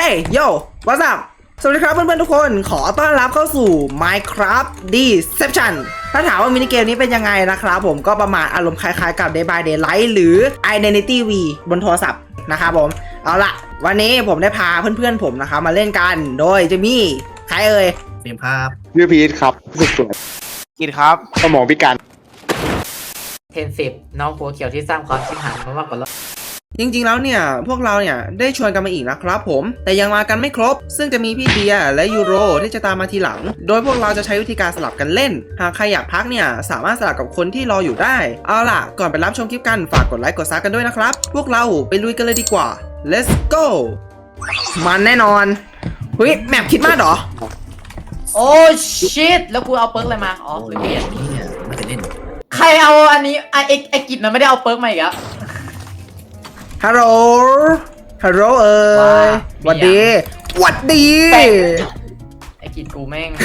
Hey yo what's up สวัสดีครับเพื่อนๆทุกคนขอต้อนรับเข้าสู่ Minecraft Deception ถ้าถามว่ามินิเกมนี้เป็นยังไงนะครับผมก็ประมาณอารมณ์คล้ายๆกับ Day by Daylight หรือ Identity V บนโทรศัพท์นะครับผมเอาละวันนี้ผมได้พาเพื่อนๆผมนะครับมาเล่นกันโดยจะมีใครเอ่ยเฟรมครับชื่อพีทครับสุดสวยกินครับสมองพิการ 10น้องหัวเขียวที่สร้างความชิบหายมากกว่าเราจริงๆแล้วเนี่ยพวกเราเนี่ยได้ชวนกันมาอีกนะครับผมแต่ยังมากันไม่ครบซึ่งจะมีพี่เดียและยูโรที่จะตามมาทีหลังโดยพวกเราจะใช้วิธีการสลับกันเล่นหากใครอยากพักเนี่ยสามารถสลับกับคนที่รออยู่ได้เอาล่ะก่อนไปรับชมคลิปกันฝากกดไลค์กดซับกันด้วยนะครับพวกเราไปลุยกันเลยดีกว่า let's go มันแน่นอนเฮ้ยแมปคิดมากเหรอโอ้ชิตแล้วกูเอาเปิร์กอะไรมาอ๋อลืมเปลี่ยนเนี่ยไม่ได้เล่นใครเอาอันนี้ไอกิจมันไม่ได้เอาเปิร์กมาอีกอะฮัลโหลฮัลโหลเอ้ยหวัดดีหวัดดีไอกิจกูแม่ง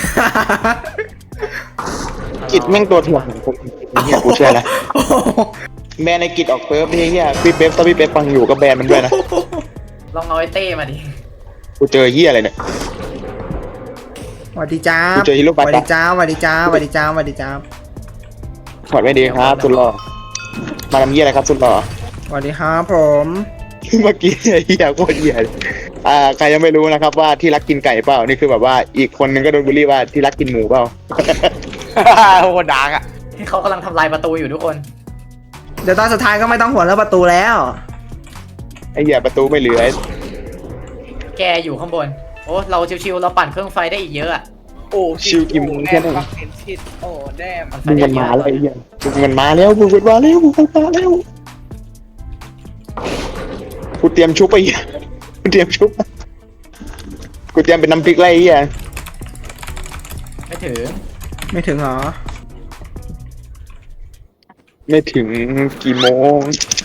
กิจแม่งตัวถ่วงของผมเนี่ยกูเชื่อแล้วแบนในกิจออกเปิร์ฟนี่เฮียพี่เป๊ปตอนพี่เป๊ปฟังอยู่ก็แบนมันด้วยนะลองเอาไอเต้มาดิกูเจอเฮียอะไรเนี่ยหวัดดีจ้ากูเจอฮีโร่หวัดดีจ้าหวัดดีจ้าหวัดดีจ้าหวัดดีจ้าถอดไม่ดีครับสุดหล่อมาทำเฮียอะไรครับสุดหล่อสวัสดีครับผมเมื่อกี้เฮียโคตรเฮียใครยังไม่รู้นะครับว่าที่รักกินไก่เปล่านี่คือแบบว่าอีกคนนึงก็โดนบูลลี่ว่าที่รักกินหมูเปล่าโคตรดาร์กอ่ะที่เขากำลังทำลายประตูอยู่ทุกคนเดี๋ยวตอนสุดท้ายก็ไม่ต้องห่วงเรื่องประตูแล้วไอ้เหี้ยประตูไม่เหลือแกอยู่ข้างบนโอ้เราชิวๆเราปั่นเครื่องไฟได้อีกเยอะอะโอ้ชิวกิมแค่นั้นโอ้แดมมึงมันมาแล้วไอ้เหี้ยมึงมันมาแล้วมึงมันมาแล้วมึงมันมาแล้วกูเตรียมชุบไปกูเตรียมชุบกูเตรียมเป็นน้ำพริกไรอ่ะไม่ถึงเหรอไม่ถึงกี่โมง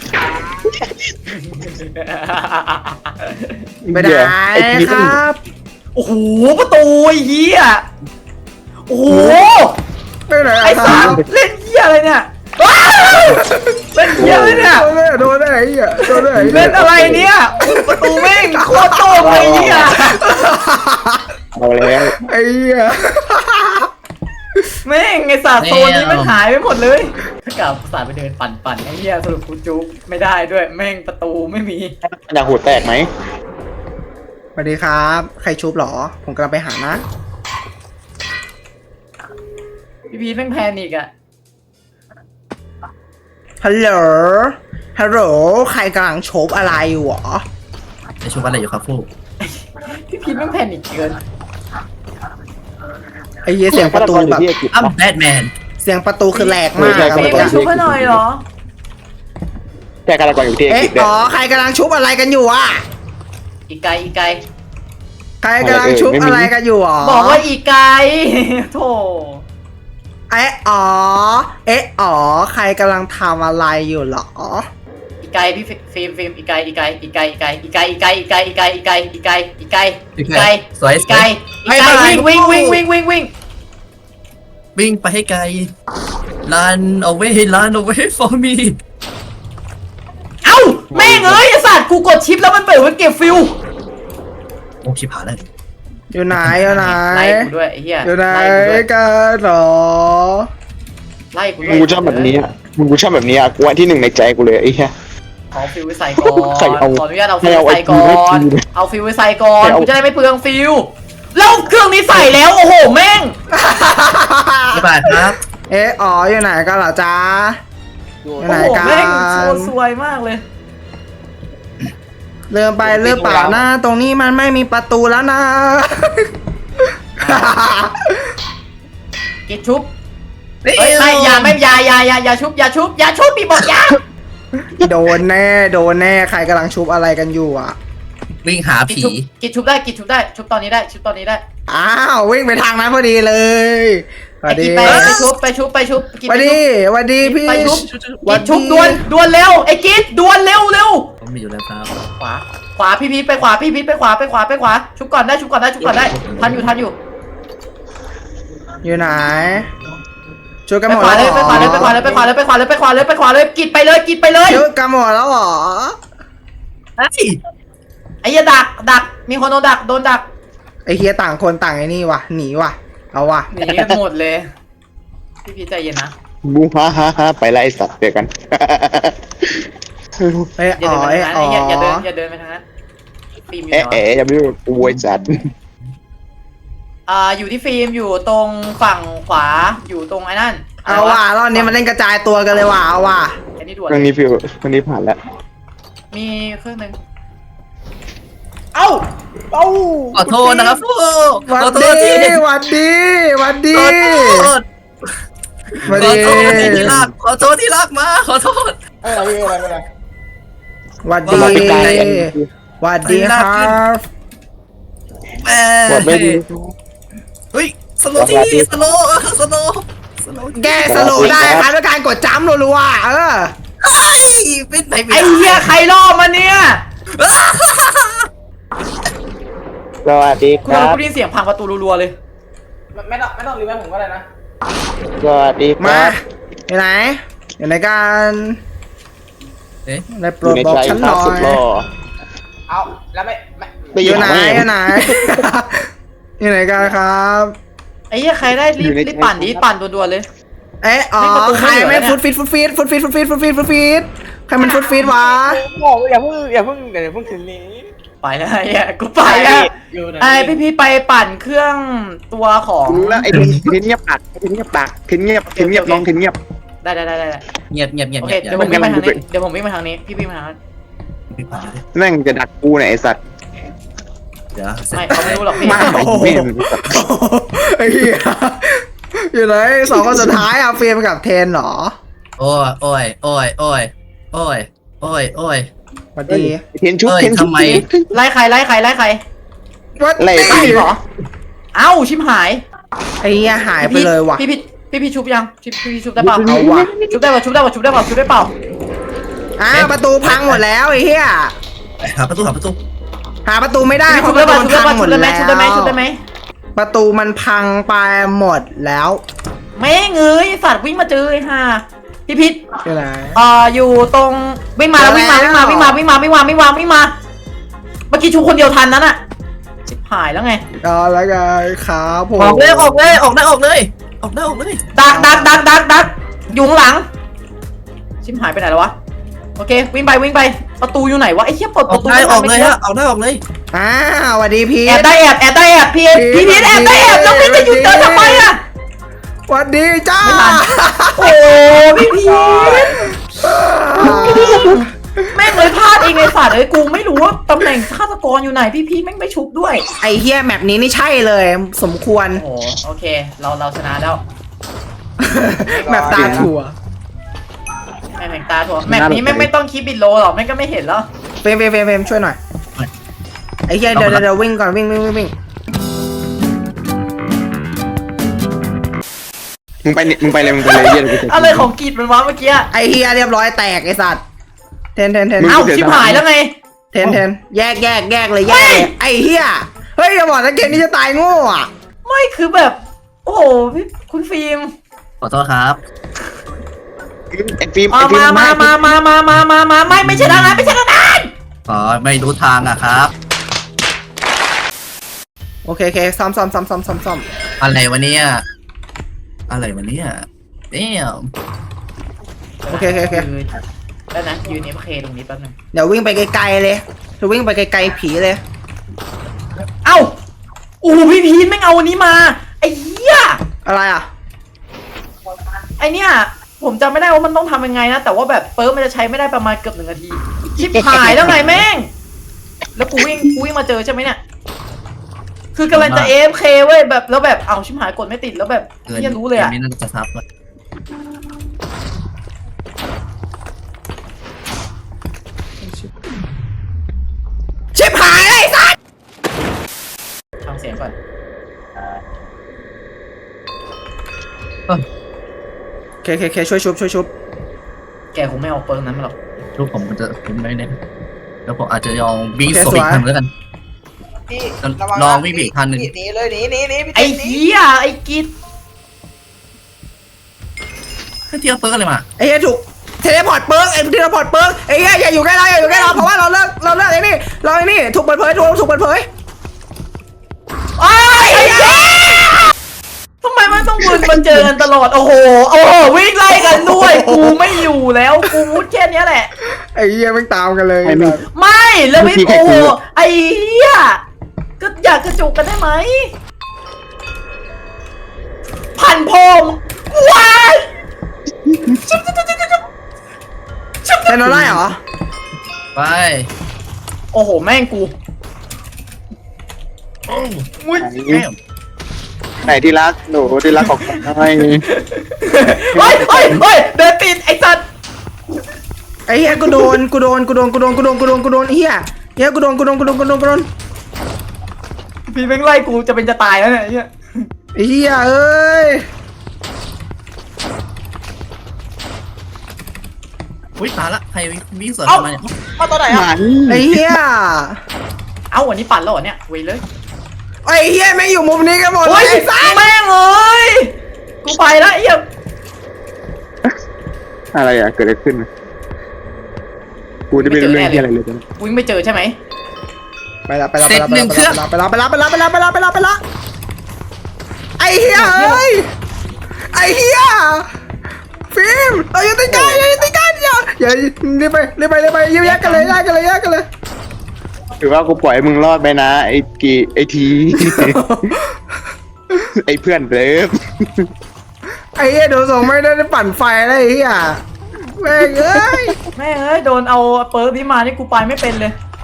ไม่ได้ครับโอ้โหประตูเหี้ยโอ้โหไอ้สามเล่นเหี้ยอะไรเนี่ยเล่นเหี้ยอะไรเนี่ยโดนได้ไอ้เหี้ยโดนได้เล่นอะไรเนี่ยประตูแม่งโคตรโต้เลยเหี้ยเอาแล้วไอ้เหี้ยแม่งไอ้ศาสตร์โซนนี้มันหายไปหมดเลยถ้ากลับศาสตร์ไปเดินปั่นไอ้เหี้ยสรุปกูจุ๊บไม่ได้ด้วยแม่งประตูไม่มีอยากหัวแตกไหมสวัสดีครับใครชุบหรอผมกำลังไปหานะพี่พีแม่งแพนิกอะฮัลโหลฮัลโหลใครกำลังชุบอะไรอยู่หรอจะชุบอะไรอยู่ครับฟูพี่พีแม่งแพนิกเกินไอ้เหี้ยเสียงประตูแบบอ้ำแบทแมนเสียงประตูคือแหลกมากครับไม่ชุบให้หน่อยเหรอแค่กำลังก่อนอยู่ที่อ๋อใครกำลังชุบอะไรกันอยู่อ่ะอีไกใครกำลังชุบอะไรกันอยู่อ๋อบอกว่าอีไกโธ่อ๋อใครกำลังทำอะไรอยู่หรออีไกพี่ฟิล์มอีไกสวยวิ่งไปให้ไกล run away for me เอ้าแม่งเอ้ยไอ้สัตว์กูกดชิปแล้วมันเปิดมันเก็บฟิวโอ้ชิบหายเลยอยู่ไหนไล่กูด้วยไอ้เหี้ยอยู่ไหนกันหรอไล่กูด้วยมึงชอบแบบนี้กูชอบแบบนี้กูอันที่หนึ่งในใจกูเลยไอ้เหี้ยขอฟิวไว้ใส่ก่อนขออนุญาตเอาฟิวใส่ก่อนเอาฟิวไว้ใส่ก่อนกูจะได้ไม่เปลืองฟิวแล้วเครื่องนี้ใส่แล้วโอ้โหแม่งบ๊ายบายครับอ๋ออยู่ไหนกันเหรอจ๊ะอยู่ไหนกันแม่งโชว์สวยมากเลยเริ่มไปเริ่มเปล่านะตรงนี้มันไม่มีประตูแล้วนะกิดชุบไม่อย่าชุบพี่บอกอย่าโดนแน่ใครกำลังชุบอะไรกันอยู่อ่ะวิ่งหาผีกิดชุบได้ชุบตอนนี้ได้อ้าววิ่งไปทางนั้นพอดีเลยไปชุบวันดีพี่ไปชุบดวนเร็วไอ้กิดดวนเร็วผมมีอยู่แล้วครับขวาพี่พีไปขวาชุบก่อนได้ทันอยู่อยู่ไหนช่วยกันหมดเลยไปขวาเลยกิดไปเลยช่วยกันหมดแล้วหรอไอ้อ้เหี้ยดักมีคนโดนดักไอ้เฮียต่างคนต่างไอ้นี่ว่ะหนีว่ะเอาว่ะหนีกันหมดเลยพี่พีชใจเย็นนะบูฮ่าไปละไอ้สัตว์เจอกันเอ้ยอย่าอ๋อเดินไปเอ้ยทางอ๋นั้นออย่าเดินไปทางนั้นฟิล์มอยู่ไหนวะอย่าไปดูอวยจัดอยู่ที่ฟิล์มอยู่ตรงฝั่งขวาอยู่ตรงไอ้นั่นเอาว่ะรอบนี้มันเล่นกระจายตัวกันเลยว่ะเอาว่ะไอ้นี่ด่วนเรื่องนี้ฟิวเรื่องนี้ผ่านแล้วมีเครื่องหนึงเอ้าขอโทษนะครับฟูขวัอน โทดีษที่วันดีวันดีขอโทษวันขอดีโทษที่รักขอโทษที่รักมาขอโทษวันดีสวัสดีครับวันดีครับแม่หมดไม่ดีเฮ้ยสโลว์ที่สโลว์สโลว์แก้สโลว์ได้ครับด้วยการกดจัมป์รัวๆไอ้เป็นไหนไอ้เหี้ยใครล่อมาเนี่ยสวัสดีกูครับได้ยินเสียงพังประตูรัวๆเลยไม่ต้องรีบผมก็ได้นะสวัสดีคมารับอยู่ไหนอยู่ในการเอ๊ะได้โปอรยู่ดในบอกใจฉันหครัน่บอสุดหล่ยอเอาแล้วไม่ด้อยู่ไหนมอยู่ไหนอยู่ไหนกันครับไอ้เหี้ยใครได้รีบปั่นด่วนๆเลยเอ๊ะอ๋อไม่ประตูใครไม่เหลือไม่เนี่ยฟุตฟิตใครมันฟุตฟิตวะบอกอย่าเพิ่งถึงนี้ไปแล้วไอ้เหี้ยกูไปแล้วไอ้พี่พีชไปปั่นเครื่องตัวของรู้แล้วไอ้ทิ้นเงียบปากทิ้นเงียบปากทิ้นเงียบน้องทิ้นเงียบได้เงียบเงียบเงียบโอเงีเคยบเดี๋ยวผมวิ่งไปทางนี้เดี๋ยวผมวิ่งไปทางนี้พี่วิ่งไปทางนั้นแม่งจะดักกูเนี่ยไอ้สัตว์เดี๋ยวไม่เขาไม่รู้หรอกพี่มาไอ้โอ้โหเว้นไอ้เหี้ยอยู่ไหนสองคนสุดท้ายอะเฟรมกับเทนเหรอโอ้ยโอ้ยโอ้ยโอ้ยโอ้ยโอ้ยโอ้ยสวัสดีทิ้นชุบทิ้นชุบทำไมไล่ใครสวัสไล่ดีไล่เหรอเอ้าชิมหายไอ้เหี้ยหายไปเลยว่ะพี่ชุบยังพี่ชุบได้เปล่าเอาว่ะชุบได้เปล่าชุบได้เปล่าประตูพังหมดแล้วไอ้เหี้ยหาประตูหาประตูหาประตูไม่ได้ชุบเพได้ราะประเปตูล่ามันพังหมดแล้วชุบได้ไหมประตูมันพังไปหมดแล้วแม่งเอ้ยสัตว์วิ่งมาเจอไอ้ห่าพี่พิษอยู่ไหนอยู่ตรงวิ่งมาแล้ววิ่งมาเมื่อกี้ชุบคนเดียวทันนั้นอะชิบหายแล้วไงก็แล้วกันครับผมออกเลยออกเลยออกได้ออกเลยออกได้ออกเลยดักอยู่ข้างหลัง ชิบหายไปไหนแล้ววะโอเควิ่งไปประตูอยู่ไหนวะไอ้เหี้ยเปิดอปอกระตูได้ออกเลยไม่ฮะออกได้ออกเลยสวัสดีพีแอบทได้แอบพี่พีทแอบแล้วพี่จะหยุดเดินทำไมอะสวัสดีจ้าไม่ทัน โอ้พี่พีทแม่งเลยพลาดเองเลยสัตว์เอ้ยกูไม่รู้ว่าตำแหน่งฆาตกรอยู่ไหนพี่พีทแม่งไม่ชุบด้วยไอ้เฮียแมปนี้นี่ใช่เลย สมควรโอ้โอเคเราชนะแล้วแมปตาถั่วแม่งตาถั่วแมปนี้แม่งไม่ต้องคิดบิดโลหรอกแม่งก็ไม่เห็นแล้วเฟรมช่วยหน่อย ไอ้เฮียเดี๋ยววิ่งก่อนวิ่งมึงไปเลยเยี่ยมอะไรของกีดมันวะเมื่อกี้ไอ้เฮียเรียบร้อยแตกไอ้สัตว์เทนเอ้าชิบหายแล้วไงเทนแยกเลยไอ้เฮียเฮ้ยอย่าบอกนะเกมนี้จะตายโง่อะไม่คือแบบ โอ้โหพี่คุณฟิล์มขอโทษครับไอ้ฟิล์มมาไม่ใช่ทางนั้นไม่ใช่ทางนั้นอ๋อไม่รู้ทางอะครับโอเคซ้อมอะไรวะเนี่ยอะไรวะเนี่ยเนี่ยโอเคแล้วนะยืนเอฟเคตรงนี้แป๊บนึงเดี๋ยววิ่งไปไกลๆเลยจะวิ่งไปไกลๆผีเลยเอ้าโอ้พี่พีทแม่งเอาอันนี้มาไอ้เหี้ยอะไรอ่ะไอเนี่ยผมจำไม่ได้ว่ามันต้องทำยังไงนะแต่ว่าแบบเปิร์มันจะใช้ไม่ได้ประมาณเกือบ1 นาทีชิบหายแล้วไงแม่งแล้วกูวิ่งมาเจอใช่ไหมเนี่ยคือกำลังจะ AFK เว้ยแบบแล้วแบบเอาชิบหายกดไม่ติดแล้วแบบเหี้ยรู้เลยอะไม่น่าจะซับเลยชิบหายไอ้สัสฟังเสียงก่อนเคช่วยชุบแกคงไม่เอาเปิร์นั้นมาหรอกทุกผมมันจะผมไม่ได้แล้วผมอาจจะยองวิ่งสวนอีกทันแล้วกันพี่ลองวิ่งอีกคันหนึ่งหนีเลยหนีไอ้เหี้ยไอ้กิดเที่ยวเปิร์อะไรมาไอ้เหี้ยถูกเททเลพอร์ตเปิร์กเทเลพอร์ตเปิร์กไอ้เหี้ยอย่าอยู่ใกล้เราอย่าอยู่ใกล้เราเพราะว่าเราเลิกไอ้นี่ถูกเปิดเผยถูกเปิดเผยไอ้เหี้ยทำไมมันต้องวนมาเจอกันตลอดโอ้โหวิ่งไล่กันด้วยกูไม่อยู่แล้วกูมุดแค่เนี้ยแหละไอ้เหี้ยไม่ตามกันเลยไม่แล้วไม่โอ้โหไอ้เหี้ยก็อยากกระจุกกันได้ไหมพันพงว้ายเป็นอะไรเหรอไปโอ้โหแม่งกูโอ้มุดแม่งไหนที่รักหนูที่รักของผมให้เฮ้ยเดินติดไอ้สัตว์ไอ้เหี้ยกูโดนไอ้เหี้ยกูโดนพี่แม่งไล่กูจะเป็นจะตายแล้วเนี่ยไอ้เหี้ยไอ้เหี้ยเอ้ยอุ้ยตายละใครวิ่งสวนเข้ามาเนี่ยเอาตัวไหนหอ่ะมันไอ้เหี้ยเอ้าวันนี้ปั่นแล้วเหรอเนี่ยเว้ยเลยไอ้เหี้ยไม่อยู่มุมนี้กันหมดเลโอ้ยยไอ้สัสแม่งเลยกูไปแล้วไอ้เหี้ยอะไรอ่ะเกิดอะไรขึ้นกูจะไม่รู้เรื่องที่อะไรเลยตอนนี้วิ่งไม่เจอใช่ไหมไปละไอ้เหี้ยเอ้ยไอ้เหี้ยฟิล์มเราอย่าตีกันอย่ารีบไปยิ้มแยกกันเลยถือว่ากูปล่อยให้มึงรอดไปนะไอ้ที ไอ้เพื่อนเลิฟไอ้เหี้ยเดี๋ยวส่งไม่ได้ปั่นไฟแล้วไอ้เหี้ยแม่งเอ้ยแม่งเอ้ยโดนเอาเปิร์กนี้มานี่กูไปไม่เป็นเลย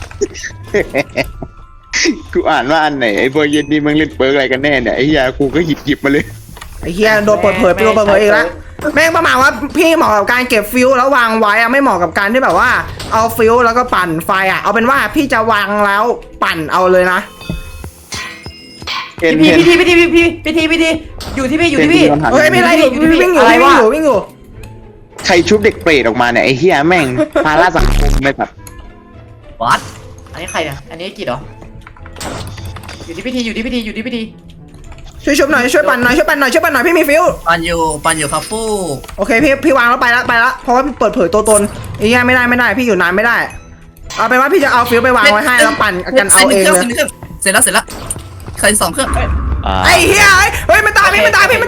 กูอ่านว่าอันไหนไอ้เบอร์เย็นนี่มึงเล่นเปิร์กอะไรกันแน่เนี่ยไอ้เหี้ยกูก็หยิบมาเลยไอ้เหี้ยโดนเปิดเผยอีกแล้วแม่งประมาณว่าพี่เหมาะกับการเก็บฟิวแล้ววางไว้อะไม่เหมาะกับการที่แบบว่าเอาฟิวแล้วก็ปั่นไฟอะเอาเป็นว่าพี่จะวางแล้วปั่นเอาเลยนะเห็นพี่เห็นอยู่ที่พี่เฮ้ยไม่ไรวิ่งอยู่ใครชุบเด็กเปรตออกมาเนี่ยไอ้เหี้ยแม่งภาระสังคมไม่แบบวัดอันนี้ใครเนี่ยอันนี้กิจเหรออยู่ที่พี่ทีช่วยชุบหน่อยช่วยปั่นหน่อยพี่มีฟิวปันอยู่ครับฟู่โอเคพี่วางแล้วไปละเพราะว่าเปิดเผยตัวตนไอ้เหี้ยไม่ได้พี่อยู่นานไม่ได้เอาเป็นว่าพี่จะเอาฟิวไปวางไว้ให้แล้วปั่นกันเอาเองเลยเสร็จแล้วใคร2 เครื่องไอ้เหี้ยเฮ้ยมันตามพี่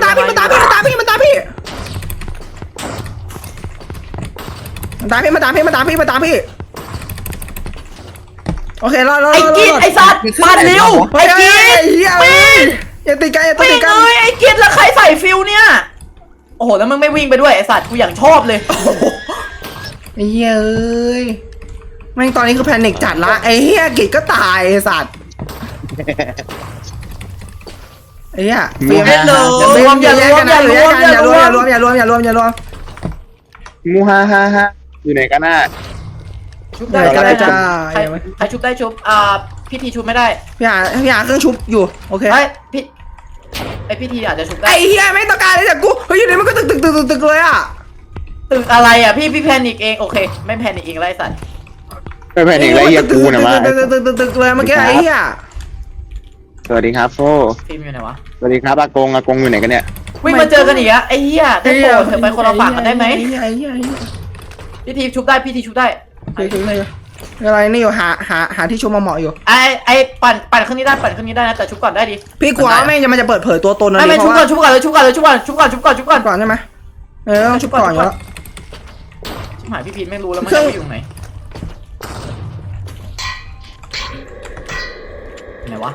โอเครอไอ้กิจไอ้สัตว์ปั่นเร็วไอ้กิจเหี้ยอย่าตีกันไม่เลยไอ้กิจแล้วใครใส่ฟิวเนี่ยโอ้โหแล้วมึงไม่วิ่งไปด้วยไอ้สัตว์กูอย่างชอบเลยไอ้เหี้ยเอ้ยแม่งตอนนี้คือแพนิคจัดละไอ้เหี้ยกิจก็ตายไอ้สัตว์ไอ้เหี้ยอย่ารวมมูฮ่าฮ่าฮ่าอยู่ไหนกันน่ะชุบได้ใครชุบได้ชุบพี่ทีชุบไม่ได้พี่หาเครื่องชุบอยู่โอเคไอ้พี่ทีอาจจะชุบได้ไอ้เหี้ยไม่ต้องการเลยจากกูเฮ้ยอยู่ดีมันก็ตึกเลยอ่ะตึกอะไรอ่ะพี่แพนิกเองโอเคไม่แพนิกเองไรสัตว์ไม่แพ้เด็กไรเหี้ยกูนะมาตึกเลยเมื่อกี้ไอ้เหี้ยสวัสดีครับโฟฟิล์มอยู่ไหนวะสวัสดีครับอากงอยู่ไหนกันเนี่ยวิ่งมาเจอกันอีกอะไอ้เหี้ยได้โปรดเถอะไปคนละฝั่งกันได้ไหมไอ้เหี้ยพี่ทีชุบได้พี่ทีชุบได้อะไรนี่อยู่หาที่ชุบมาเหมาะอยู่ไอ้ปั่นเครื่องนี้ได้นะแต่ชุบก่อนได้ดิพี่กลัวว่าแม่งจะเปิดเผยตัวตนนะไม่ชุบก่อนก่อนก่อนใช่ไหมต้องชุบก่อนอยู่แล้วชิบหายพี่พีทไม่รู้แล้วมันจะอยู่ตรงไหนไหนวะ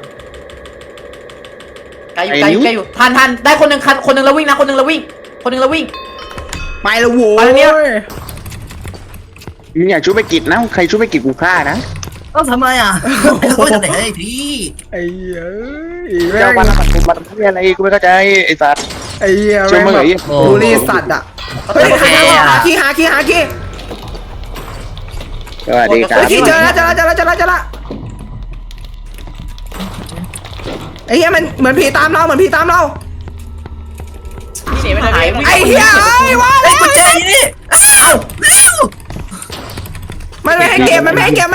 ไกลอยู่ทันได้คนหนึ่งแล้ววิ่งนะคนหนึ่งแล้ววิ่งไปแล้วโว้ไปแล้วเนี่ยมึงอยากชุบไปกิจนะใครชุบไปกิจกูฆ่านะต้องทำไมอ่ะเขาจะไหนไอ้พี่ไอ้เหี้ยเจ้าบ้านสังคมมาทำอะไรกูไม่เข้าใจไอ้สัสไอ้เหี้ยช่วยมึงเหรอบูลลี่สัตว์อ่ะเฮ้ยหาขี้สวัสดีครับขี้เจอแล้วไอ้เหี้ยมันเหมือนผีตามเราพี่หนีไปไหนไอ้เหี้ยเอ้ยว่าแล้วกุญแจนี่อ้าวมันไม่ให้เก็บไม่ให้เก็บ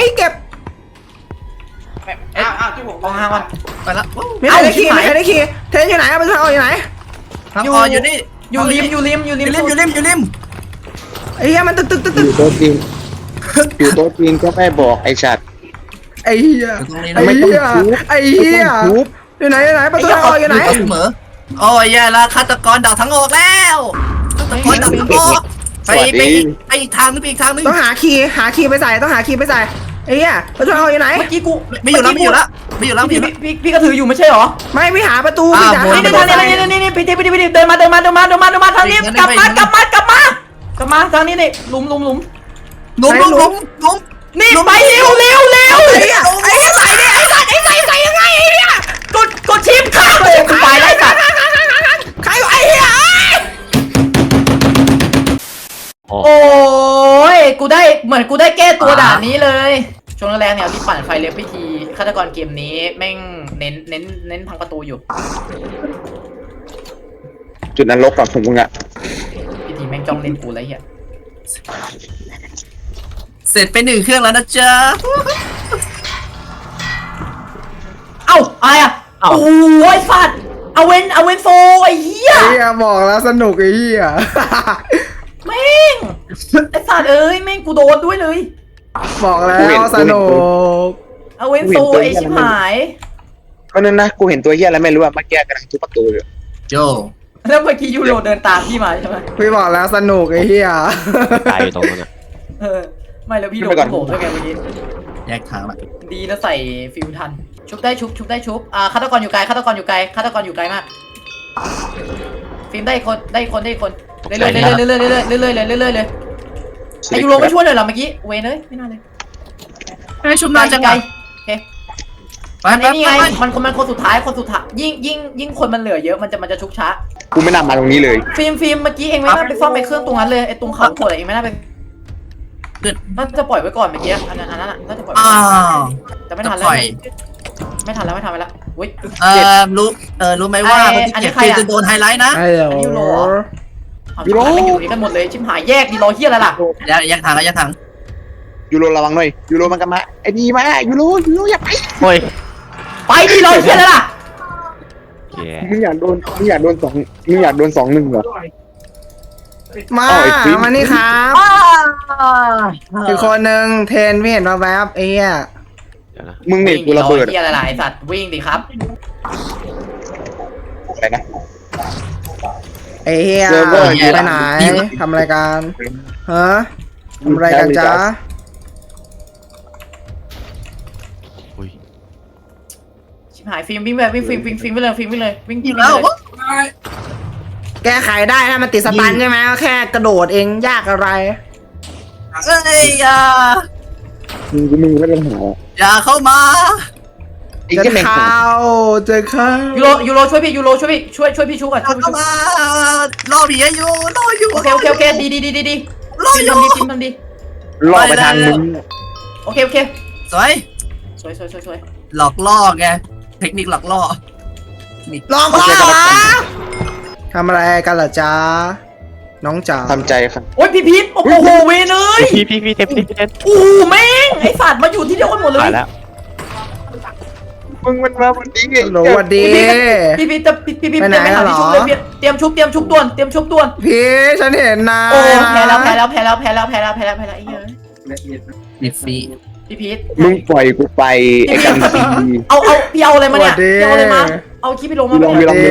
อ้าวที่ผมมองห่างก่อนไปละไม่ได้ขี่เทนอยู่ไหนมันทางออกอยู่ไหนทางออกอยู่นี่อยู่ริมอยู่ริมไอ้เหี้ยมันตึกอยู่โต๊ะจีนอยู่โต๊ะจีนก็ไม่บอกไอ้ชัดไอ้เหี้ยตรงนี้ไอ้นะเหี้ยไอ้เหี้ยไม่ต้องทุบอยู่ไหนประตูทางออกอยู่ไหนเสมอโอ้ยแย่ละฆาตกรดักทั้งออกแล้วฆาตกรดักทั้งออกไปอีกทางนึงไปอีกทางนึงต้องหาคีย์ไปใส่ต้องหาคีย์ไปใส่ไอ้เหี้ยประตูทางออกอยู่ไหนเมื่อกี้กูไม่อยู่แล้วพี่ก็ถืออยู่ไม่ใช่หรอไม่พี่หาประตูอ้าวพี่หานี่ประตูนี่พี่เดินมาทางนี้กลับมาทางนี้นี่หลุมนุ่มนี่ไปเร็วไอ้ใส่ยังไงไอ้เนี่ยกดชิปค่ะกูไปแล้วสัตว์ใครไอ้เหี้ยโอ้ยกูได้เหมือนกูได้แก้ตัวด่านนี้เลยช่วงแรกเนี่ยที่ปั่นไฟเล็บพิธีฆาตกรเกมนี้แม่งเน้นทางประตูอยู่จุดนั้นลบกับผมมึงอะพิธีแม่งจ้องเล่นกูแล้วเหี้ยเสร็จไป1 เครื่องแล้วนะจ๊ะเอ้าอะไรอ่ะโอ้ยสัตว์เอาเวนโฟไอ้เหี้ยไอ้เหี้ยบอกแล้วสนุกไอ้เหี้ยแม่งไอ้สัตว์เอ้ยแม่งกูโดนด้วยเลยบอกแล้วสนุกเอาเวนโฟไอ้ชิบหายก็นั่นนะกูเห็นตัวเหี้ยอะไรไม่รู้อะเมื่อกี้กำลังทุบประตูอยู่โจแล้วเมื่อกี้ยูโรเดินตามพี่มาใช่ไหมพี่บอกแล้วสนุกไอ้เหี้ยตายอยู่ตรงนั้นอ่ะไม่แล้วพี่โดนโผล่ด้วยไงเมื่อกี้แยกทางละดีนะใส่ฟิวทันชุบได้ชุบฆาตกรอยู่ไกลฆาตกรอยู่ไกลมากฟิล์มได้คนเรื่อยเลยไอยูโรไม่ช่วยเลยเหรอเมื่อกี้เวนเลยไม่น่าเลยให้ชุบนานจังไกไงลโอเคไปนี่ไงมันคนสุดท้ายยิ่งคนมันเหลือเยอะมันจะชุบช้ากูไม่น่ามาตรงนี้เลยฟิล์มเมื่อกี้เองไม่น่าไปซ่อมไอ้เครื่องตรงนั้นเลยไอ้ตรงเขาขวดเองไม่น่าไปน่าจะปล่อยไว้ก่อนเมื่อกี้อันนั้นน่ะน่าจะปล่อยอ้าวแต่ไม่ทันแล้วไม่ทันแล้วอุ้ยรู้ไหมว่าคนที่เก็บฟิล์มจะโดนไฮไลท์นะไอ้เหรอยูโรเอาชิบหายมันอยู่นี่กันหมดเลยชิบหายแยกดีรอเฮียอะไรล่ะแยกทางแล้วแยกทางยูโรระวังหน่อยยูโรมันกันมาไอ้ดีมายูโรอย่าไปโอ้ยไปดีรอเฮียอะไรล่ะแย่มึงอยากโดน2-1เหรอมาเอาไอ้ฟิล์มมานี่ครับอีกคนนึงเทนไม่เห็นมาแวบไอ้เหี้ยเดี๋ยวนะมึงเนี่ยกูระเบิดเฮียอะไรล่ะไอสัตว์วิ่งดิครับอะไรนะไอ้เหี้ยเซิร์ฟเวอร์ไปไหนทำอะไรกันฮะทำอะไรกันจ๊ะอุ้ยชิบหายฟิล์มวิ่งไปเลยฟิล์มไปเลยวิ่งแล้วแก้ไขได้ถ้ามันติดสตันใช่ไหมก็แค่กระโดดเองยากอะไรเอ้ยมึงไม่ต้องหาอย่าเข้ามาไอ้จะเหี้ยแม่งเข้าจะเข้ายูโรช่วยพี่ช่วยพี่ชูก่อนช่วยพี่เข้าชูมารอผีอยู่รออยู่โอเคดีรออยู่ทำดีล่อไปทางมึงโอเคสวยสวยหลอกล่อไงเทคนิคหลอกล่อลองพ่อทำอะไรกันเหรอจ๊ะน้องจ๋าทำใจครับโอ้ยพี่พีทโอ้โหเวนเลยพี่เต็มโอ้แม่งไอสัตว์มาอยู่ที่เดียวกันหมดเลยตายแล้วมึงมันมาวันนี้ไงโหลสวัสดีพี่ไปไหนไม่หาที่ชุบเหรเลอยเตรียมชุบด่วนพี่ฉันเห็นนะโอ้แพ้แล้วไอ้เหี้ยมีฟรีพี่พีทมึงปล่อยกูไปไอ้กันตีเอาพี่เอาอะไรมาเนี่ยพี่เอาอะไรมาเอาคลิปพี่ลงมาพี่ลอง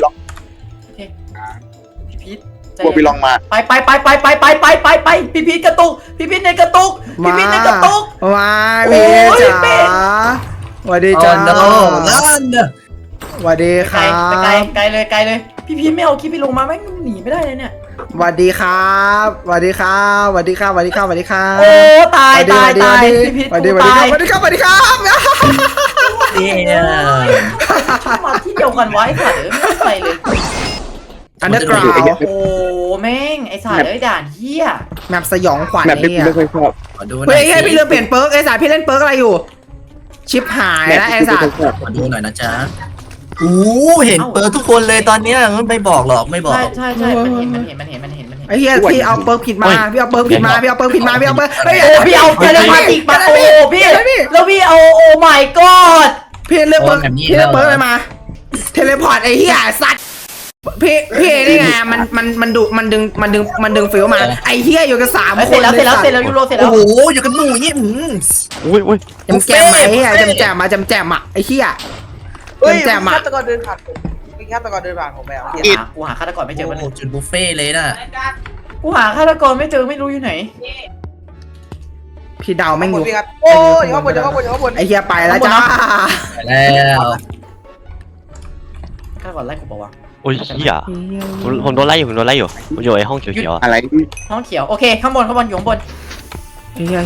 พี่พีทกลัวพี่ลองมาไปพี่พีทกระตุกพี่พีทในกระตุกมาพี่ในกระตุกมาพี่โอ้ยจ๋าเป็ดสวัสดีโอ้จ้าโนลั่นสวัสดีคไกลรับไกลเลยพี่พีทไม่เอาคลิปพี่ลงมาแม่งหนีไม่ได้เลยเนี่ยสวัสดีครับสวัสดีครับสวัสดีครับสวัสดีครับสวัสดีครับโอ้ตายสวัสดีพี่พีทสวัสดีกูสวัสดีตายสวัสดีครับสวัสดีครับเนี่ยมาที่เดียวกันไว้ค่ะเดี๋ยวไม่ใส่เลยอันเดอร์กราวโอ้แม่งไอ้สารเอ้ยด่านเฮียแมปสยองขวัญแบบที่เนี่กูยไม่เคยชอบขอดูหน่เฮ้อย ยเฮ้ยพี่ลืมเปลี่ยนเปิร์กไอ้สารพี่เล่นเปิร์กอะไรอยู่ ชิปหายแบบแล้วที่ไอ้กูสารไม่เคยชอบขอดูหน่อยนะจ๊ะเห็นเปิดทุกคนเลยตอนเนี้ยไม่บอกหรอกไม่บอกใช่มันเห็นไอ้เฮียพี่เอาเปิร์กผิดมาพี่เอาเปิร์กผิดมาพี่เอาเปิร์กผิดมาพี่เอาเปิร์กเฮ้ยโอ้พี่เอาเทเลพาติกมาโอ้พี่แล้วพี่เอาโอ้ my god พี่เลือกเปิร์กพี่เลือกเปิร์กอะไรมา เทเลพอร์ตไอ้เฮียสัตว์พี่นี่ไงมันดึงฟิวมาไอ้เหี้ยอยู่กัน3 เอ้ยคเสร็จนแล้วเสร็จแล้วเสร็จแล้วยูโรเสร็จแล้โอ้วโหอยู่กันหมู่อย่างงี้อุ้ยแจมไหมอ่ะแจมอ่ะไอ้เหี้ยเฮ้ยแจมอ่ะฆาตกรเดินผ่านผมมีฆาตกรเดินผ่านผมไปอ่ะกูหาฆาตกรไม่เจอมันโอ้จุดบุฟเฟ่เลยน่ะกูหาฆาตกรไม่เจอไม่รู้อยู่ไหนพี่ดาวแม่งข้างอบ ยู่นพี่ครับโอ้ยข้างบนข้างบนข้างบนไอ้เหี้ยไปแล้วจ้าไปแล้วฆาตกรไล่กูบอกว่าโอ้ยเหี้ยผมโดนไล่อยู่ผมอยู่ไอ้ห้องเขียวๆอะอะไรห้องเขียวโอเคข้างบนอยู่ข้างบนเฮีย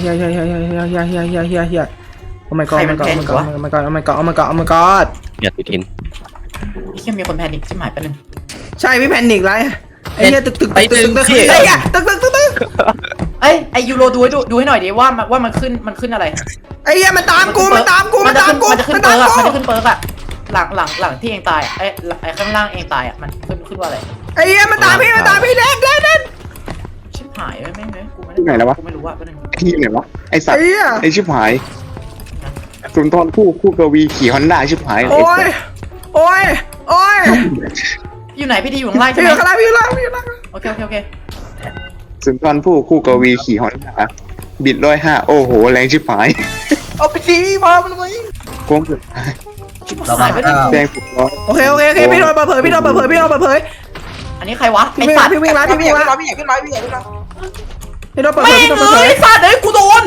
โอ้ my god ใครมันแพ้วะโอ้ my god อย่าติดอินพี่แค่มีคนแพนิคชิบหายไปหนึ่งใช่พี่แพนิกไรไอ้เหี้ยตึกไอ้เหี้ยตึกเอ้ยไอยูโรดูให้หน่อยดิว่ามันขึ้นอะไรไอ้เหี้ยมันตามกูมันจะขึ้นเปิร์กอะหลังที่เองตายไอ้ข้างล่างเองตายอะมันขึ้นว่าอะไรไอ้เหี้ยมันตามพี่เล่นชิบหายแม่งเลยกูไม่ที่ไหนแล้ววะกูไม่รู้ว่าเป็นที่ไหนวะไอสัตไอ้ว์เหี้ยไอชิบหายสุนทรผู้กวีขี่ฮอนด้าชิบหายโอ้ยอยู่ไหนพี่ดีอยู่ข้างล่างใช่พี่ไหมอยู่ข้างล่างโอเคสุนทรผู้กวีขี่ฮอนด้าบิด105โอ้โหแรงชิบหายเอาไปทีมามันไว้โค้งสุดชิบหายไปดิแดงสุดร้อยโอเคพี่โดนเปิดเผยอันนี้ใครวะพี่ไอ้สัตว์วิ่งละพี่อยากขึ้นมาพี่อยากขึ้นมาพี่โดนเปิดแม่เผงยไอ้สัตว์เอ้ยกูโดน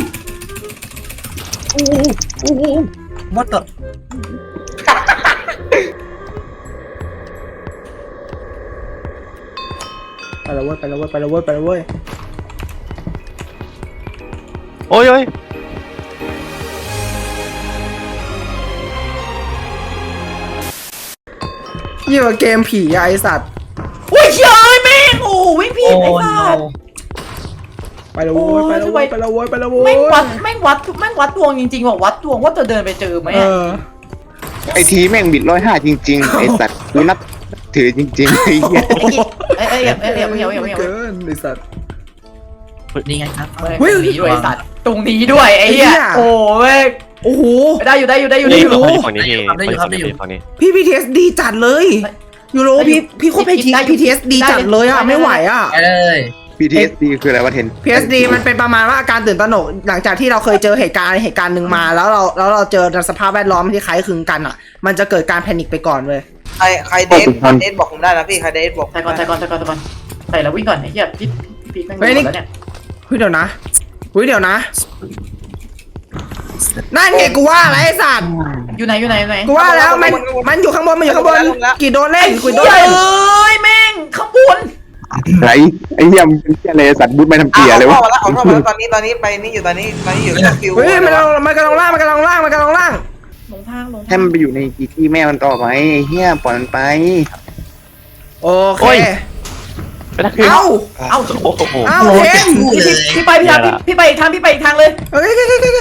วัดต่อไปแล้วเว้ยโอ้ยยี่ว่าเกมผีไอสัตว์อุ้ยเฮ้ยแม่งโอ้วิ่งผิดไอ้สัตว์ไปแล้วเว้ยแม่งวัดดวงจริงๆว่ะวัดดวงว่าจะเดินไปเจอไหมไอทีแม่งบิด105จริงๆไอสัตว์กูนับถือจริงๆไอ้เหี้ยเอ้ยเกินไอสัตว์นี่ไงครับตรงนี้ด้วยสัตว์ตรงนี้ด้วยไอ้เหี้ยโอ้เว้ยโอ้โหได้อยู่นี่เขาอยู่ฝั่งนี้พี่ฝั่งนี้พี่ PTSD จัดเลยยูโรพี่โคตร PTSD จัดเลยอ่ะไม่ไหวอ่ะไปเลย PTSD คืออะไรวะเทน PTSD มันเป็นประมาณว่าอาการตื่นตระหนกหลังจากที่เราเคยเจอเหตุการณ์หนึ่งมาแล้วเราเจอสภาพแวดล้อมที่คล้ายคลึงกันอ่ะมันจะเกิดการแพนิคไปก่อนเว้ยใครเดทบอกผมได้นะพี่ใครเดทบอกใส่ก่อนใส่แล้ววิ่งก่อนไอ้เหี้ยพี่แม่งแล้วเนี่ยเฮ้ยเดี๋ยวนะนั่นไงกูว่าอะไรไอ้สัตว์อยู่ไหนกูว่าแล้วมันอยู่ข้างบนกี่โดนเล่นกี่โดนเฮ้เล่นยแม่งข้างบนไรไอ้เหี้ยมันเป็นเหี้ยอะไรสัตว์บุ๊ดไม่ทำเกียร์เลยวะเอาเข้ามาแล้วตอนนี้ไปนี่อยู่ตอนนี้อยู่ฟิวเฮ้ยมันกำลังล่างลงทางให้มันไปอยู่ในกีที่แม่มันต่อไปไอ้เหี้ยปล่อยมันไปโอเคไปนั่งคือเอ้าโอ้โหเทนพี่ไปอีกทางเลยโอเค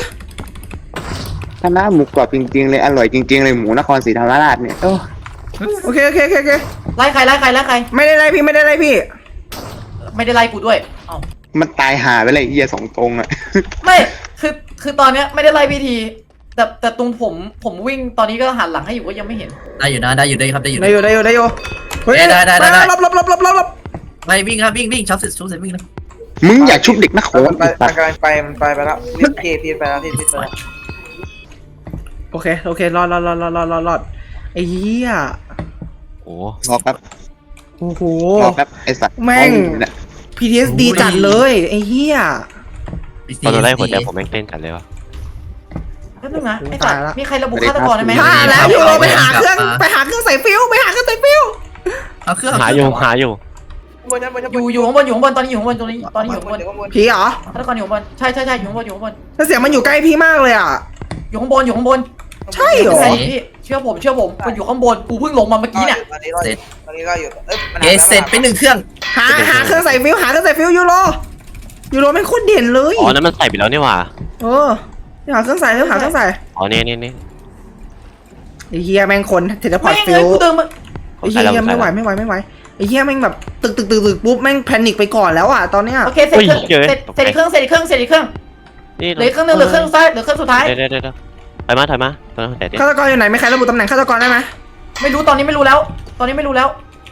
ถ้าน้าหมูกรอบจริงๆเลยอร่อยจริงๆเลยหมูนครศรีธรรมราชเนี่ยโอเคไล่ใครไม่ได้ไล่พี่ไม่ได้ไล่กูด้วยเอ้ามันตายหาไปเลยไอ้เหี้ยสองตรงอ่ะไม่คือตอนเนี้ยไม่ได้ไล่พี่ทีแต่ตรงผมวิ่งตอนนี้ก็หันหลังให้อยู่ก็ยังไม่เห็นได้อยู่นะได้อยู่ครับได้อยู่ได้อยู่เฮ้ยลบไปวิ่งครับวิ่งช็อปเสร็จวิ่งนะมึงอย่าชุบเด็กนะโขนมันกำลังไปมันไปแล้วพี่ไปแล้วพี่ไปแล้วโอเครอดไอ้เหี้ยโอ้รอแป๊บโอ้โหรอแป๊บไอ้สัตว์แม่ง PTSD จัดเลยไอ้เหี้ยตอนโดนไล่หัวใจผมแม่งเต้นกันเลยวะแป๊บนึงนะไอ้สัตว์มีใครระบุฆาตกรได้ไหมฆ่าแล้วยูโรไปหาเครื่องใส่ฟิวเอาเครื่องหาอยู่อยู่ข้างบนตอนนี้อยู่ข้างบนผีเหรอฆาตกรอยู่ข้างบนใช่อยู่ข้างบนถ้าเสียงมันอยู่ใกล้พี่มากเลยอ่ะอยู่ข้างบนใช่เหรอพี่เชื่อผมมันอยู่ข้างบนกูเพิ่งลงมาเมื่อกี้เนี่ยตอนนี้ก็อยู่เสร็จไป1เครื่องหาเครื่องใส่ฟิวยูโรไม่งโคตรเด่นเลยอ๋อนั่นมันใส่ไปแล้วนี่หว่าหาเครื่องใส่อ๋อนี่ไอ้เหี้ยแม่งคนเทเลพอร์ตแม่งฟิเลยว กูเดินมาไอ้เหี้ยไม่ไหวไอ้เหี้ยแม่งแบบตึกปุ๊บแม่งแพนิคไปก่อนแล้วอ่ะตอนเนี้ยโอเคเสร็จอีกเครื่องนี่เหลือเครื่องนึงเหลือเครื่องซ้ายเหลือเครื่องสุดท้ายเดี๋ยวถอยมาแต่ฆาตกรอยู่ไหนไม่ใครระบุตำแหน่งฆาตกรได้ไหมไม่รู้ตอนนี้ไม่รู้แล้วไ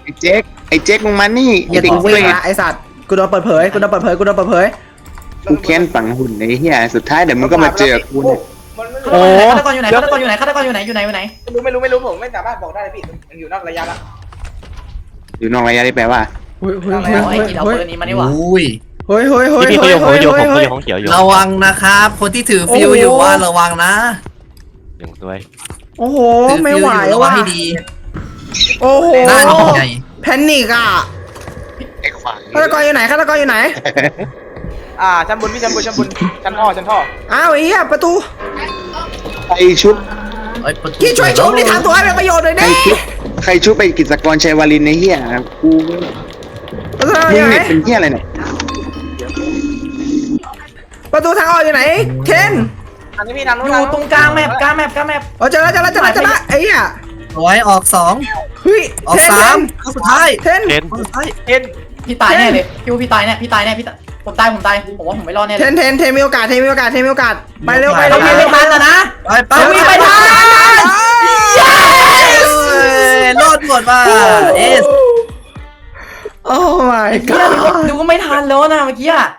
ไอ้เจ๊กมึงมานี่อย่าไอ้เด็กกูเววิ่งทละไอสัตว์กูโดนเปิดเผยกูโดนเปิดเผยกูโดนเปิดเผยกูแค้นฝังหุ่นไอ้เหี้ยสุดท้ายเดี๋ยวมึงก็มาเจอกูเนี่ยฆาตกรอยู่ไหนฆาตกรอยู่ไหนฆาตกรอยู่ไหนอยู่ไหนอยู่ไหนไม่รู้ผมไม่สามารถบอกได้เลยพี่มันอยู่นอกระยะละอยู่นอกระยะได้แปลว่าเฮ้ยเฮ้ยโอ้ยกินเอาเบอร์นี้มานี่หว่าอุ้ยเฮ้ยเฮ้ยเฮ้ยพี่เฮ้ยผมเฮ้ยอยู่เฮ้ยผมเฮ้ยอยู่ของเขียวอยู่ระวังนะครับ คนที่ถือฟิวอยู่ว่าระวังนะอย่างด้วยโอ้โหถือไม่ฟิวไหวอยู่ระวังว่ะให้ดีโอ้โหหน้าใหญ่แพนิกอ่ะไอ้ขวางฆาตกรอยู่ไหนฆาตกรอยู่ไหนชั้นบนพี่ชั้นบนชั้นท่ออ้าวไอ้เหี้ยประตูใครชุบเอ้ยประตูพี่ช่วยชุบนี่ทำตัวให้เป็นประโยชน์หน่อยใครดิชุบใครชุบไปกิจกรชัยวารินในเหี้ยกูประตูมึอง ยู่ไหนเนี่ยเป็นเหี้ยอะไรเนี่ยประตูทางออกอยู่ไหนเคนทางนี้พี่ทางนู้อน ยู่ตรงกลางแมปกลางแมปกลางแมปอ๋อเจอแล้วไอ้เหี้ยร้อยออกสองเฮ้ยออกเทนสามคนสุดท้ายเทนเห็นคนสุดท้ายเห็นพี่ตายแน่เลยพี่ว่าพี่ตายแน่พี่ตายแน่พี่ผมตายผมว่าผมไม่รอดแน่เทเลยนเทนเทนมีโอกาสเทนมีโอกาสเทนมีโอกาสไปเร็วไปเราเร็วมีไปไม่เร็วทันแล้วนะไปไปเรามีไปทันรอดหมดว่ะเอสโอ้ my เฮีย god ดูก็ไม่ทันแล้วนะเมื่อกี้อะ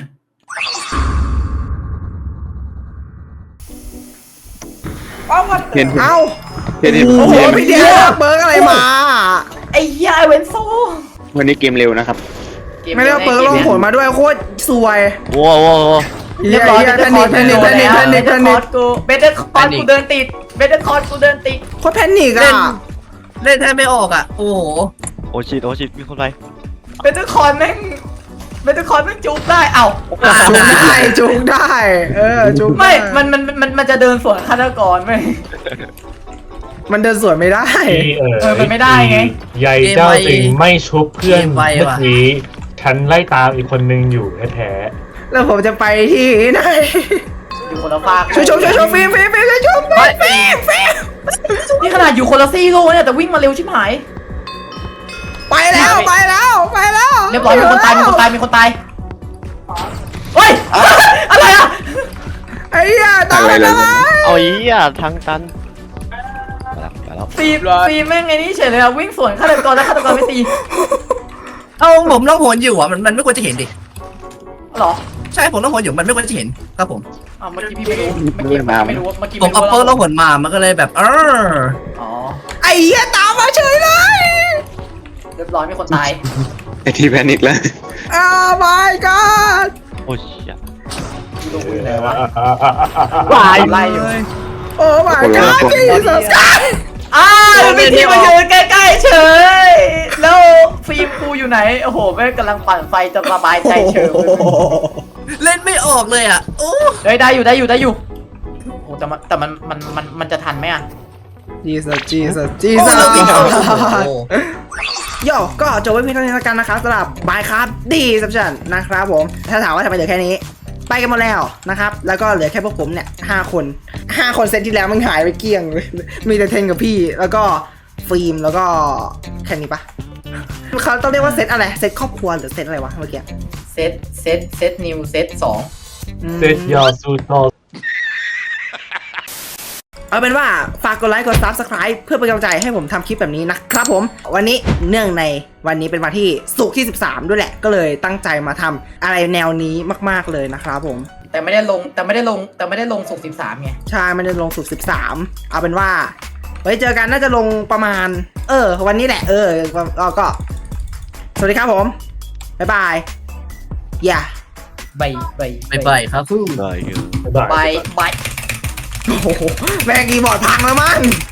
เห็นเอ้าเห็นโอ้โหพี่เดียเบิร์กอะไรมาไอ้เฮียไอเวนโซวันนี้เกมเร็วนะครับไม่ได้เอาเบิร์กลงผลมาด้วยโคตรสวยว้าวว้าวเรียบร้อยแพนิคเบเตอร์คอร์สกูเบเตอร์คอร์สกูเดินติดเบเตอร์คอร์สกูเดินติดโคตรแพนิคเล่นอ่ะเล่นแทบไม่ออกอ่ะ โอ้โหโอชิมีคนไรเบเตอร์คอร์สแม่งจุกได้เอ้าจุกได้จุกได้จุกไม่มันจะเดินสวนฆาตกรไหมมันเดินสวนไม่ได้มันไม่ได้ไงใหญ่เจ้าสิงไม่ชุบเพื่อนเมื่อกี้ฉันไล่ตามอีกคนนึงอยู่แท้แล้วผมจะไปที่ไหนอยู่คนละฝากช่วยฟิล์มช่วยชมฟิล์มนี่ขนาดอยู่คนละซี่โลเนี่ยแต่วิ่งมาเร็วชิบหายไปแล้วเรียบร้อยมีคนตายเฮ้ยอะไรอ่ะไอ้เหี้ยตายแล้วเอาอีอ่ะทางตันไปแล้วตีแม่งไงนี่เฉยเลยอ่ะวิ่งสวนฆาตกรแล้วฆาตกรไม่ตีเอาผมต้องโหนอยู่อ่ะมันไม่ควรจะเห็นดิหรอใช่ผมต้องโหนอยู่มันไม่ควรจะเห็นครับผมเมื่อกี้พี่ไม่รู้เมื่อกี้ไม่รู้ผมเอาเปิร์แล้วโหนมามันก็เลยแบบอ๋อไอ้เหี้ยตามมาเฉยเลยเรียบร้อยมีคนตายไอ้ที่แพนิคแล้วอ้าว my god โอ้ยดูคุณไหนวะๆไล่อยู่โอ้ my god Jesus มีที่มายืนใกล้ๆเฉยแล้วฟิล์มกูอยู่ไหนโอ้โหแม่กำลังปั่นไฟจะสบายใจเฉยเล่นไม่ออกเลยอ่ะโอ้ได้อยู่โอ้แต่มันจะทันไหมอ่ะ Jesus โย่ก็จบไว้เพียงเท่านี้แล้วกันนะครับสำหรับบายครับดีสับชันนะครับผมถ้าถามว่าทำไมเหลือแค่นี้ไปกันหมดแล้วนะครับแล้วก็เหลือแค่พวกผมเนี่ย5 คนเซตที่แล้วมันหายไปเกลี้ยงเลยมีแต่เทนกับพี่แล้วก็ฟิล์มแล้วก็แค่นี้ปะเขาต้องเรียกว่าเซตอะไรเซตครอบครัวหรือเซตอะไรวะเมื่อกี้เซตนิวเซต2 เซตยอสูโตเอาเป็นว่าฝากกดไลค์กด Subscribe เพื่อเป็นกำลังใจให้ผมทำคลิปแบบนี้นะครับผมวันนี้เนื่องในวันนี้เป็นวันที่ศุกร์ที่13ด้วยแหละก็เลยตั้งใจมาทำอะไรแนวนี้มากๆเลยนะครับผมแต่ไม่ได้ลงศุกร์13ไงใช่มันจะลงศุกร์13เอาเป็นว่าไว้เจอกันน่าจะลงประมาณวันนี้แหละก็สวัสดีครับผมบ๊ายบายอย่าบายครับได้บายโอ้โหแม่งคีย์บอร์ดพังแล้วมั้ง